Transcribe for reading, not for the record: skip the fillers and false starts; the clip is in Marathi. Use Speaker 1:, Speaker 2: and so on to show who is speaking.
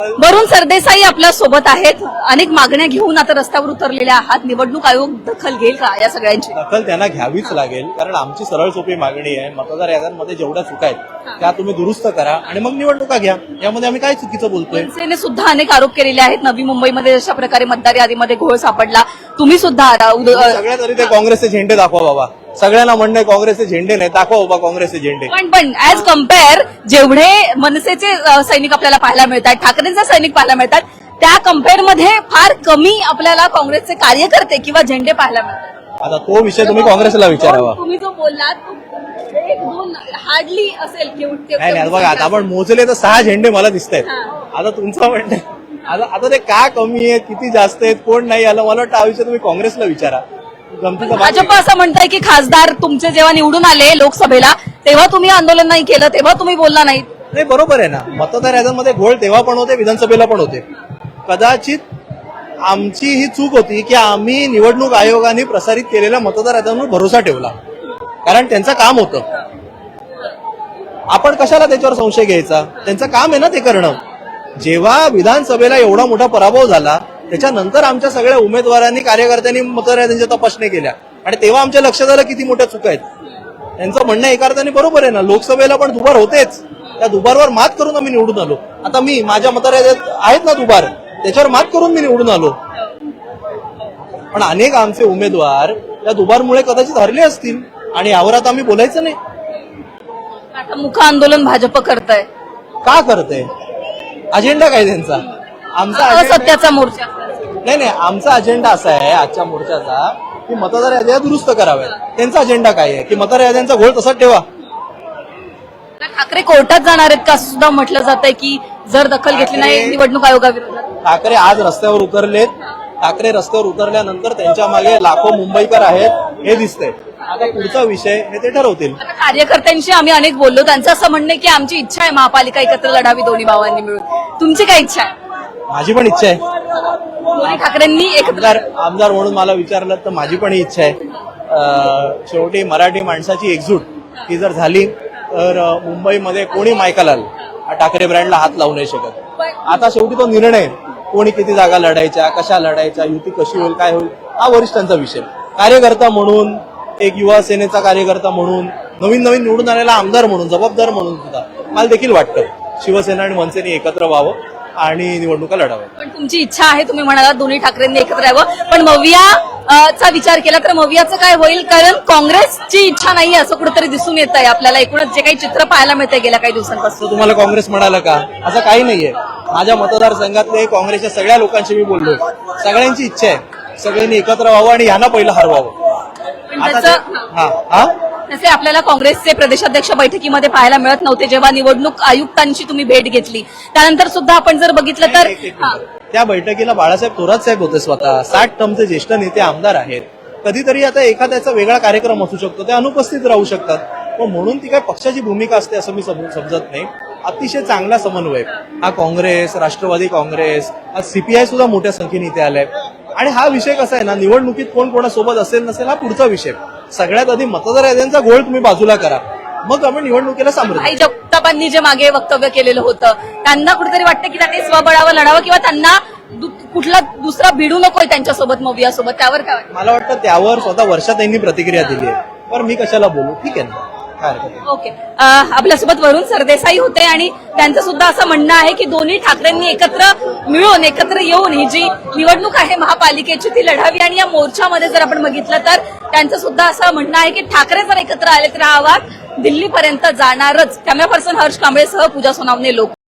Speaker 1: वरुण सरदेसाई आपल्या सोबत आहेत. अनेक मागण्या घेऊन आता रस्त्यावर उतरलेल्या आहात. निवडणूक आयोग दखल घेईल का या सगळ्यांची?
Speaker 2: दखल त्यांना घ्यावीच लागेल, कारण आमची सरळ सोपी मागणी आहे, मतदार याद्यांमध्ये जेवढ्या चुका आहेत त्या तुम्ही दुरुस्त करा आणि मग निवडणुका घ्या. यामध्ये आम्ही काय चुकीचं बोलतोय?
Speaker 1: मनसेने सुद्धा अनेक आरोप केलेले आहेत. नवी मुंबईमध्ये अशा प्रकारे मतदार यादीमध्ये घोळ सापडला. तुम्ही सुद्धा
Speaker 2: सगळ्यात आधी ते काँग्रेसचे झेंडे दाखवा बाबा. सगळ्यांना म्हणणं काँग्रेसचे झेंडे नाही, दाखवा बाबा काँग्रेसचे झेंडे.
Speaker 1: पण ऍज कम्पेअर जेवढे मनसेचे सैनिक आपल्याला पाहायला मिळतात, ठाकरेंचे सैनिक पाहायला मिळतात, त्या कम्पेअर मध्ये फार कमी आपल्याला काँग्रेसचे कार्यकर्ते किंवा झेंडे पाहायला मिळतात.
Speaker 2: आता तो विषय तुम्ही काँग्रेसला विचारावा.
Speaker 1: तुम्ही जो बोललात एक दोन हार्डली असेल.
Speaker 2: नाही बघा, आता आपण मोजले तर 6 झेंडे मला दिसत आहेत. आता तुमचं म्हणणं आता ते का कमी आहेत, किती जास्त आहेत, कोण नाही आलं, मला वाटतं हा विषय तुम्ही काँग्रेसला विचारा.
Speaker 1: भाजप असं म्हणताय की खासदार तुमचे जेव्हा निवडून आले लोकसभेला तेव्हा तुम्ही आंदोलन नाही केलं, तेव्हा तुम्ही बोलला नाही.
Speaker 2: नाही, बरोबर आहे ना. मतदार याद्यांमध्ये घोळ तेव्हा पण होते, विधानसभेला पण होते. कदाचित आमची ही चूक होती की आम्ही निवडणूक आयोगाने प्रसारित केलेल्या मतदार याद्यांवर भरोसा ठेवला, कारण त्यांचं काम होतं. आपण कशाला त्याच्यावर संशय घ्यायचा? त्यांचं काम आहे ना ते करणं. जेव्हा विधानसभेला एवढा मोठा पराभव झाला त्याच्यानंतर आमच्या सगळ्या उमेदवारांनी कार्यकर्त्यांनी मतदार याद्यांच्या तपासणी केल्या आणि तेव्हा आमच्या लक्षात आलं किती मोठ्या चुका आहेत. त्यांचं म्हणणं एका अर्थाने बरोबर आहे ना. लोकसभेला पण दुबार होतेच, त्या दुबारवर मात करून आम्ही निवडून आलो. आता मी माझ्या मतदार याद्यात आहेत ना दुबार, त्याच्यावर मात करून मी निवडून आलो. पण अनेक आमचे उमेदवार या दुबारमुळे कदाचित हरले असतील आणि यावर आता आम्ही बोलायचं नाही.
Speaker 1: आता मुख आंदोलन भाजप करतंय.
Speaker 2: का करते? अजेंडा काय त्यांचा? आमचा
Speaker 1: असत्याचा मोर्चा.
Speaker 2: नाही, आमचा अजेंडा असा आहे आजच्या मोर्चाचा की मतदार याद्या दुरुस्त कराव्यात. त्यांचा अजेंडा काय आहे की मतदार याद्यांचा घोळ तसाच ठेवा.
Speaker 1: ठाकरे कोर्टात जाणार आहेत का सुद्धा म्हटलं जात आहे की जर दखल घेतली नाही निवडणूक आयोगाविरोधात.
Speaker 2: ठाकरे आज रस्त्यावर उतरलेत. ठाकरे रस्त्यावर उतरल्यानंतर त्यांच्या मागे लाखो मुंबईकर आहेत हे दिसतंय. आता पुढचा विषय हे ते ठरवतील.
Speaker 1: कार्यकर्त्यांशी आम्ही अनेक बोललो, त्यांचं असं म्हणणं की आमची इच्छा आहे महापालिका एकत्र लढावी दोन्ही भावांनी मिळून. तुमची काय इच्छा आहे?
Speaker 2: माझी पण इच्छा आहे.
Speaker 1: दोन्ही ठाकरेंनी एकत्र
Speaker 2: आमदार म्हणून मला विचारलं तर माझी पण इच्छा आहे. शेवटी मराठी माणसाची एकजूट ही जर झाली तर मुंबईमध्ये कोणी मायकालाल ठाकरे ब्रँडला हात लावू नाही शकत. आता शेवटी तो निर्णय कोणी किती जागा लढायच्या, कशा लढायच्या, युती कशी होईल, काय होईल, हा वरिष्ठांचा विषय. कार्यकर्ता म्हणून, एक युवा सेनेचा कार्यकर्ता म्हणून, नवीन निवडून आलेला आमदार म्हणून, जबाबदार म्हणून सुद्धा मला देखील वाटतं शिवसेना आणि मनसेने एकत्र व्हावं आणि निवडणुका लढाव्या.
Speaker 1: पण तुमची इच्छा आहे, तुम्ही म्हणालात दोन्ही ठाकरेंनी एकत्र यावं, पण मवियाचा विचार केला तर मवियाचं काय होईल? कारण काँग्रेसची इच्छा नाही असं कुठेतरी दिसून येत आहे आपल्याला. एकूणच जे काही चित्र पाहायला मिळतंय गेल्या काही दिवसांपासून.
Speaker 2: तुम्हाला काँग्रेस म्हणाला का? असं काही नाहीये. माझ्या मतदारसंघातले काँग्रेसच्या सगळ्या लोकांशी मी बोललो. सगळ्यांची इच्छा आहे सगळ्यांनी एकत्र व्हावं आणि ह्यांना पहिलं हरवावं.
Speaker 1: तसे आपल्याला काँग्रेसचे प्रदेशाध्यक्ष बैठकीमध्ये पाहायला मिळत नव्हते जेव्हा निवडणूक आयुक्तांची तुम्ही भेट घेतली. त्यानंतर सुद्धा आपण जर बघितलं तर
Speaker 2: त्या बैठकीला बाळासाहेब थोरात साहेब होते स्वतः. 60 टर्मचे ज्येष्ठ नेते आमदार आहेत. कधीतरी आता एखाद्याचा वेगळा कार्यक्रम असू शकतो, ते अनुपस्थित राहू शकतात. पण म्हणून ती काय पक्षाची भूमिका असते असं मी समजत नाही. अतिशय चांगला समन्वय हा काँग्रेस, राष्ट्रवादी काँग्रेस, आज सीपीआय सुद्धा मोठ्या संख्येने इथे आलाय. आणि हा विषय कसा आहे ना, निवडणुकीत कोण कोणासोबत असेल नसेल हा पुढचा विषय. सगळ्यात आधी मतदार याद्यांचा घोळ तुम्ही बाजूला करा, मग आपण निवडणुकीला सामोरे.
Speaker 1: जगतापांनी जे मागे वक्तव्य केलेलं होतं त्यांना कुठेतरी वाटतं की त्यांनी स्वबळावर लढावं किंवा त्यांना कुठला दुसरा भिडू नकोय त्यांच्यासोबत, मवियासोबत. त्यावर काय वाटतं?
Speaker 2: मला वाटतं त्यावर स्वतः वर्षात त्यांनी प्रतिक्रिया दिली आहे. पण मी कशाला बोलू? ठीक आहे ना.
Speaker 1: ओके. आपल्यासोबत वरुण सरदेसाई होते आणि त्यांचं सुद्धा असं म्हणणं आहे की दोन्ही ठाकरेंनी एकत्र मिळून, एकत्र येऊन ही जी निवडणूक आहे महापालिकेची ती लढावी. आणि या मोर्चामध्ये जर आपण बघितलं तर त्यांचं सुद्धा असं म्हणणं आहे की ठाकरे जर एकत्र आले तर हा आवाज दिल्लीपर्यंत जाणारच. कॅमेरा पर्सन हर्ष कांबळेसह पूजा सोनावणे, लोक.